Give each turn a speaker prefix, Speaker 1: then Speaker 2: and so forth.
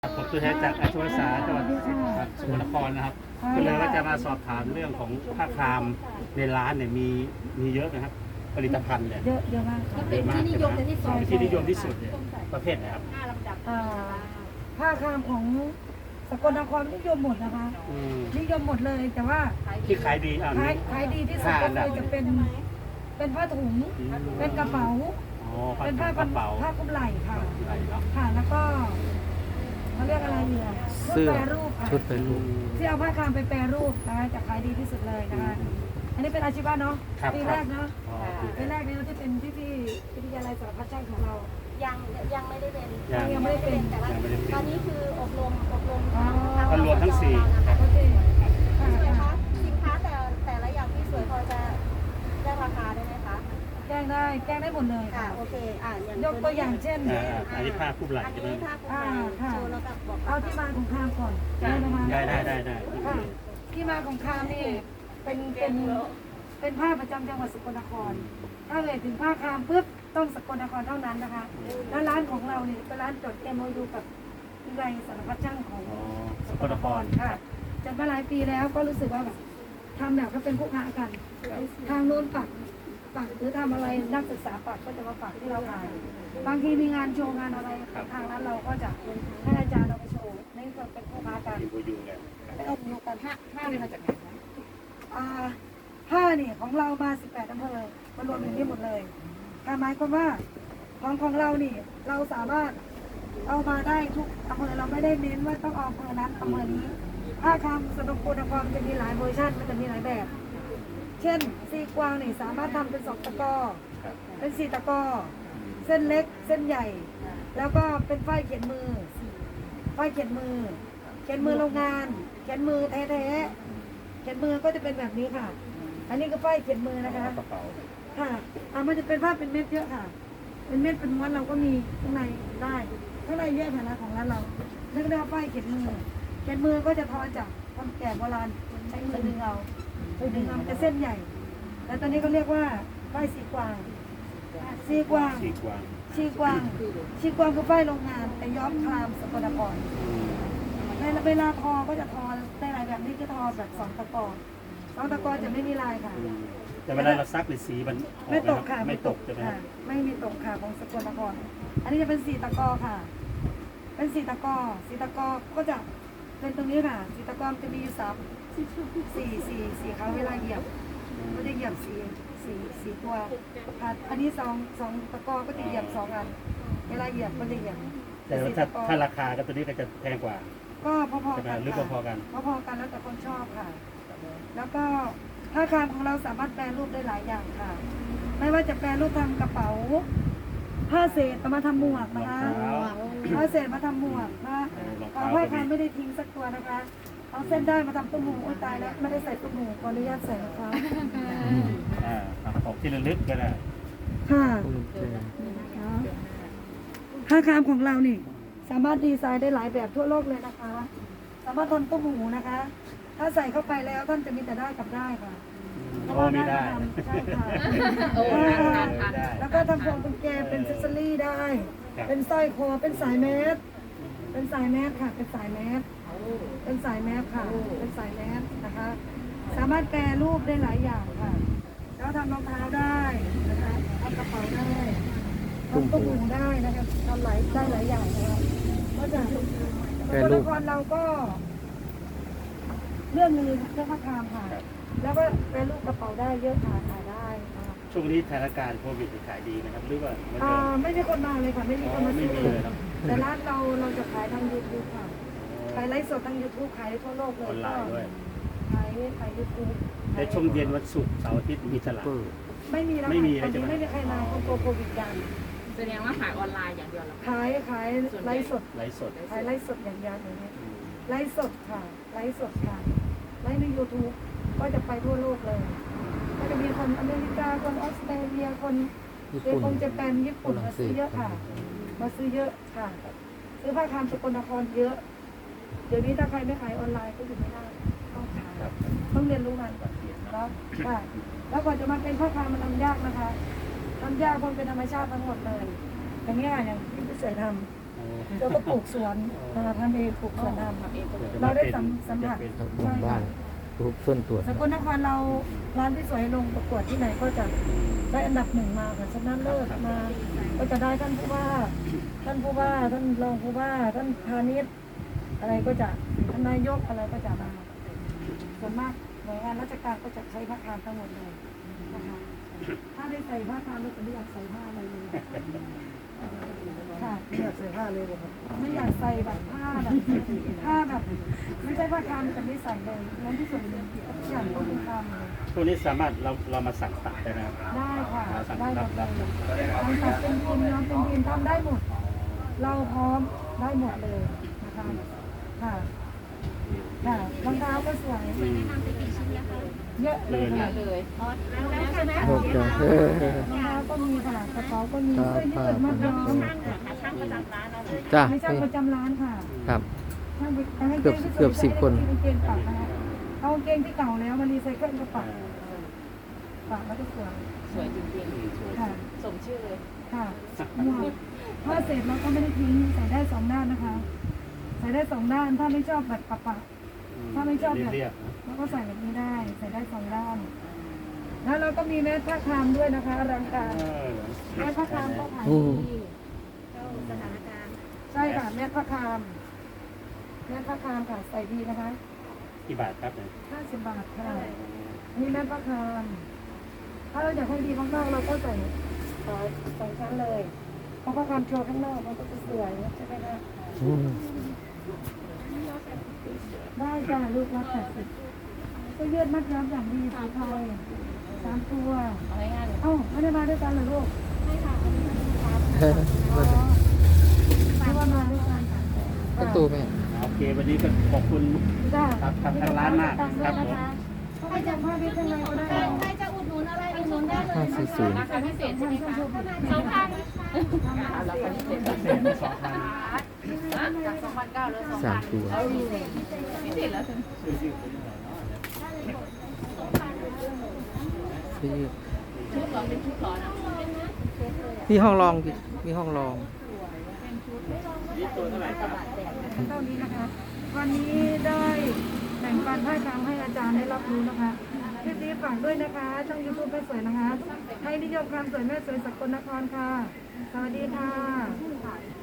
Speaker 1: ผมตัวแทนจากอาชีวศึกษาจังหวัดสกลนครนะครับก็เลยว่าจะมาสอบถามเรื่องของผ้าครามในร้านเนี่ยมีเยอะนะครับผลิตภัณฑ์เนี่ย
Speaker 2: เยอะมากค่ะ
Speaker 1: เยอะมากที่นิยมที่สุดเนี่ยประเภทไหนครับ
Speaker 2: ผ้าครามของสกลนครนิยมหมดนะคะ นิยมหมดเลยแต่ว่า
Speaker 1: ที่ขายดี
Speaker 2: ขายดีที่สุดก็คือจะเป็นผ้าถุงเป็นกระเป๋าเป็นผ้ากระไหล่ค่ะค่ะแล้วก็เขาเรียกอะไรเนี่ยชุดแปรรูปค่ะที่เอาผ้าครามไปแปรรูปนะคะจะขายดีที่สุดเลยนะคะอันนี้เป็นอาชีวะเนาะปีแรกเนาะปีแรกเนี่ยที่เป็นที่วิทยาลัยสารพัดช่างของเรา
Speaker 3: ยังไม่ได้เป็น
Speaker 2: ยังไม่ได้เป็น
Speaker 3: แต่ว่าตอนนี้คืออบรม
Speaker 1: ก็รวมทั้งสี่
Speaker 2: โอเค
Speaker 3: พี่สวยคะสินค้าแต่ละอย่างพี่สวยพอจะได้ราคาได้ไหมคะ
Speaker 2: แกงได้หมดเลย
Speaker 3: ค่ะ
Speaker 2: ค่ะ
Speaker 3: โอเคอย่าง
Speaker 2: ยกตัวอย่างเช่น
Speaker 1: อันนี้ผ้าคู่ไหล่
Speaker 3: อัน
Speaker 1: ใช่ไหม
Speaker 3: นี้ถ้าคุณโชว์แล้วก็บอก
Speaker 2: เอาที่มาของคามก่อนได้ไหมคะ
Speaker 1: ได้
Speaker 2: ค่ะที่มาของคามนี่เป็นผ้าประจำจังหวัดสกลนครถ้าเอ่ยถึงผ้าคามปุ๊บต้องสกลนครเท่านั้นนะคะแล้วร้านของเราเนี่ยเป็นร้านจด MOU กับวิทยาลัยสารพัดช่างของสกลนครค่ะจนมาหลายปีแล้วก็รู้สึกว่าแบบทำแบบก็เป็นผู้ค้ากันทางโน้นปักหรือทำอะไรนักศึกษาปักก็จะมาปักที่เราขายบางทีมีงานโชว์งานอะไรทางนั้นเราก็จะให้อาจารย์เราไปโชว์นี่ก็เป็นผู้ค้ากัน
Speaker 1: ที่บูยูเลย
Speaker 2: ไปอบรมกันผ้านี่มาจากไหนคะผ้านี่ของเรามา18อำเภอมารวมอยู่ที่หมดเลยการหมายความว่าของเรานี่เราสามารถเอามาได้ทุกอำเภอเราไม่ได้เน้นว่าต้องเอาอำเภอนั้นอำเภอนี้ผ้าคำสกลนครจะมีหลายเวอร์ชันมันจะมีหลายแบบ เช่นซีกวางนี่สามารถทำเป็น2 ตะกอเป็น4 ตะกอเส้นเล็กเส้นใหญ่ แล้วก็เป็นฝ้ายเขียนมือเขียนมือโรงงานเขียนมือแท้ๆเขียนมือก็จะเป็นแบบนี้ค่ะ อันนี้ก็ฝ้ายเขียนมือนะคะ
Speaker 1: กระเป๋า
Speaker 2: ค่ะมันจะเป็นผ้าเป็นเม็ดเยอะค่ะ เป็นเม็ดเป็นม้วนเราก็มีข้างในได้ข้างในเยอะค่ะนะของร้านเราเรียกได้ว่าฝ้ายเขียนมือก็จะทอจากคนแก่โบราณใช้มือดึงเอามันจะเส้นใหญ่ แล้วตอนนี้ก็เรียกว่าฝ้ายสีกวางคือฝ้ายโรงงานแต่ย้อมครามสกลนครเวลาทอก็จะทอได้หลายแบบนี้ก็ทอแบบ2 ตะกอ2 ตะกอจะไม่มีลายค่ะ
Speaker 1: แต่เวลาเราซักหรือสีมัน
Speaker 2: ไม่ตกค่ะ
Speaker 1: ไม่ตกใช่ไหม
Speaker 2: ค่ะไม่มีตกค่ะของสกลนครอันนี้จะเป็น4 ตะกอค่ะ เป็น4 ตะกอก็จะเป็นตรงนี้ค่ะ4 ตะกอจะมีอยู่4เขาเวลาเหยียบก็จะเหยียบ4ตัวค่ะอันนี้2 ตะกอก็จะเหยียบ2 อันเวลาเหยียบก็จะเหยียบ
Speaker 1: แต่ถ้าราคาก็ตัวนี้ก็จะแพงกว่า
Speaker 2: ก็พอๆกัน
Speaker 1: หรือพอๆกัน
Speaker 2: พอๆกันแล้วแต่คนชอบค่ะ แล้วก็ผ้าครามของเราสามารถแปรรูปได้หลายอย่างค่ะ ไม่ว่าจะแปรรูปทำกระเป๋าผ้าเศษเอามาทำหมวกนะคะผ้าเศษมาทำหมวกนะผ้าครามไม่ได้ทิ้งสักตัวนะคะเอาเส้นได้มาทำตุ้มหูโอ้ยตายแล้วไม่ได้ใส่ตุ้มหูขออนุญาตใส่นะคะ
Speaker 1: ออกที่ระลึกก็ได้
Speaker 2: ค่ะผ้าครามของเรานี่สามารถดีไซน์ได้หลายแบบทั่วโลกเลยนะคะ สามารถทำตุ้มหูนะคะ ถ้าใส่เข้าไปแล้วท่านจะมีแต่ได้กับได้ค่ะ
Speaker 1: โอ้ไม่ได้
Speaker 2: ใช่ค่ะแล้วก็ทำพวงกุญแจเป็นเซสซอรี่ได้ เป็นสร้อยคอเป็นสายแมสค่ะ เป็นสายแมสค่ะ เป็นสายแมสนะคะ สามารถแปรรูปได้หลายอย่างค่ะแล้วทำรองเท้าได้นะคะทำกระเป๋าได้ทำตุ้มหูได้นะคะทำได้หลายอย่างนะคะก็จะสกลนครเราก็เรื่องผ้าครามค่ะ แล้วก็แปรรูปกระเป๋าได้เยอะค่ะขายได้ค่ะ
Speaker 1: ช่วงนี้สถานการณ์โควิดขายดีนะครับหรือว่า
Speaker 2: ไม่มีคนมาเลยค่ะไม่มีคนมาซื้อเลยแต่ร้านเราจะขายทาง YouTube ค่ะขายไลฟ์สดทาง YouTube ขายได้ทั่วโลกเลย
Speaker 1: ออนไลน์ด้วย
Speaker 2: ขาย YouTube
Speaker 1: ในช่วงเย็นวันศุกร์เสาร์อาทิตย์มีตลาด
Speaker 2: ไม่มีแล้ว
Speaker 1: ไม่มี
Speaker 2: ตอน
Speaker 1: ใช่
Speaker 2: นี้
Speaker 1: ไหม
Speaker 2: ไม่มีใครมาเพราะโควิดกัน
Speaker 4: แสดงว่าขายออนไลน์อย่างเดียวเหรอ
Speaker 2: ขายไลฟ์สด
Speaker 1: ไลฟ์สด
Speaker 2: ขายไลฟ์สดอย่างเดียวอย่างนี้ไลฟ์สดค่ะไลฟ์ใน YouTube ก็จะไปทั่วโลกเลย ก็จะมีคนอเมริกาคนออสเตรเลียคนญี่ปุ่นมาซื้อเยอะค่ะ มาซื้อเยอะค่ะ ซื้อผ้าคามสกลนครเยอะ เดี๋ยวนี้ถ้าใครไม่ขายออนไลน์ก็อยู่ไม่ได้ต้องขายต้องเรียนรู้มันเนาะค่ะแล้วก่อนจะมาเป็นผ้าคามมันทำยากนะคะทำยากเพราะเป็นธรรมชาติทั้งหมดเลยอย่างนี้อย่างที่พี่เสือทำแล้วก็ปลูกสวนนะคะทำเองปลูกสวนทำเราได้สัมผัส
Speaker 5: หมู่บ้านรูปส่วนตัว
Speaker 2: สกลนครเราร้านที่สวยลงประกวดที่ไหนก็จะได้อันดับหนึ่งมาค่ะชนะเลิศมา ก็จะได้ท่านผู้ว่าท่านรองผู้ว่าท่านพาณิชย์อะไรก็จะท่านนายกอะไรก็จะมาส่วนมากหน่วยงานราชการก็จะใช้ผ้าคามทั้งหมดเลยนะคะถ้าได้ใส่ผ้าคามแล้วจะไม่อยากใส่ผ้าอะไรเลยค่ะไม่อยากใส่ผ้าเลยไม่อยากใส่แบบผ้าแบบไม่ใช่ผ้าคามแต่ไม่ใส่เลยนั้นที่สุดเลยทุกอย่างต้องเป็นคามเลย
Speaker 1: พวกนี้สามารถเรามาสั่งตัดได้นะครับ
Speaker 2: ได้ค่ะ
Speaker 1: สั่ง
Speaker 2: ได้หม
Speaker 1: รับ
Speaker 2: ดเล
Speaker 1: รับ
Speaker 2: ยทำตัดเป็นพิมพ์น้ำเป็นพิมพ์ทำได้หมด เราพร้อมได้หมดเลยนะคะค่ะค่ะรองเท้าก็สวยเยอะเลยค่ะ
Speaker 4: เลย
Speaker 3: แล้วใช่ไหม
Speaker 5: โอเค
Speaker 2: รองเท้าก็มีค่ะกระเป๋าก็มีเสื้อยืดมากน้อง
Speaker 3: ช่างประจำร้านเราเลย
Speaker 5: จ้า
Speaker 2: ไม่ใช่ประจำร้านค่ะ
Speaker 5: ครับ
Speaker 2: ช่างให้
Speaker 5: เกือบ10 คน
Speaker 2: กางเกงปักนะคะเอากางเกงที่เก่าแล้วมารีไซเคิลก็ปักแล้วก็สวย
Speaker 4: สวยจริง
Speaker 2: ค่ะ
Speaker 4: ๆ สมชื่อเลย
Speaker 2: ค่ะหมวกผ้าเสร็จเราก็ไม่ได้ทิ้งใส่ได้สองด้านนะคะ ใส่ได้สองด้านถ้าไม่ชอบแบบปะถ้าไม่ชอบแบบ
Speaker 1: เรียบ
Speaker 2: เราก็ใส่แบบนี้ได้ ใส่ได้สองด้าน แล้วเราก็มีแมสผ้าคามด้วยนะคะอลังการแมสผ้าคามก็ขายดี
Speaker 3: เข้าสถานการณ์
Speaker 2: ใช่ค่ะแมสผ้าคามแมสผ้าคามค่ะใส่ดีนะคะ
Speaker 1: กี่บาทครับเนี่ย
Speaker 2: 50 บาทค่ะนี่แมสผ้าคาม ถ้าเราอยากให้ดีข้างนอกเราก็ใส่สองชั้นเลยเพราะผ้าคามโชว์ข้างนอกมันก็จะสวยใช่ไหมคะ
Speaker 5: อืม
Speaker 2: ได้จ้าลูกละ80ก็ยืดมัดย้อมอย่างดีสีไทย3 ตัว
Speaker 4: เอาง่ายๆเลย
Speaker 2: เอ้าไม่ได้มาด้วยกันเหรอลูก
Speaker 3: ไม่ค่ะ
Speaker 2: ไม่ว่ามาด้วยกัน
Speaker 5: ประตูแม่
Speaker 1: โอเควันนี้ก็ขอบคุณ
Speaker 2: จ้า
Speaker 1: ครับทางร้านมากครับผม
Speaker 2: ให้จากผ้าพิษข้างในก็ได้
Speaker 3: ใครจะอุดหนุนอะไรอุดหนุนได้เลย
Speaker 5: 540
Speaker 4: ราคาพิเศษใช่ไหมคะ 2,000ราคาพิเศษ จาก 2,900เหลือ 2,000
Speaker 5: 3 ตัว
Speaker 4: พิเศษแล้วสิ
Speaker 5: ที่
Speaker 4: ชุดเหรอเป็นชุดเหรอนะ
Speaker 5: มีห้องรองดิมีห้องรอง
Speaker 2: เท่านี้นะคะ วันนี้ได้แบ่งปันผ้าคามให้อาจารย์ได้รับรู้นะคะคลิปนี้ฝากด้วยนะคะ ช่องยูทูบแม่สวยนะคะ ให้นิยมความสวยแม่สวยสกลนครค่ะ สวัสดีค่ะ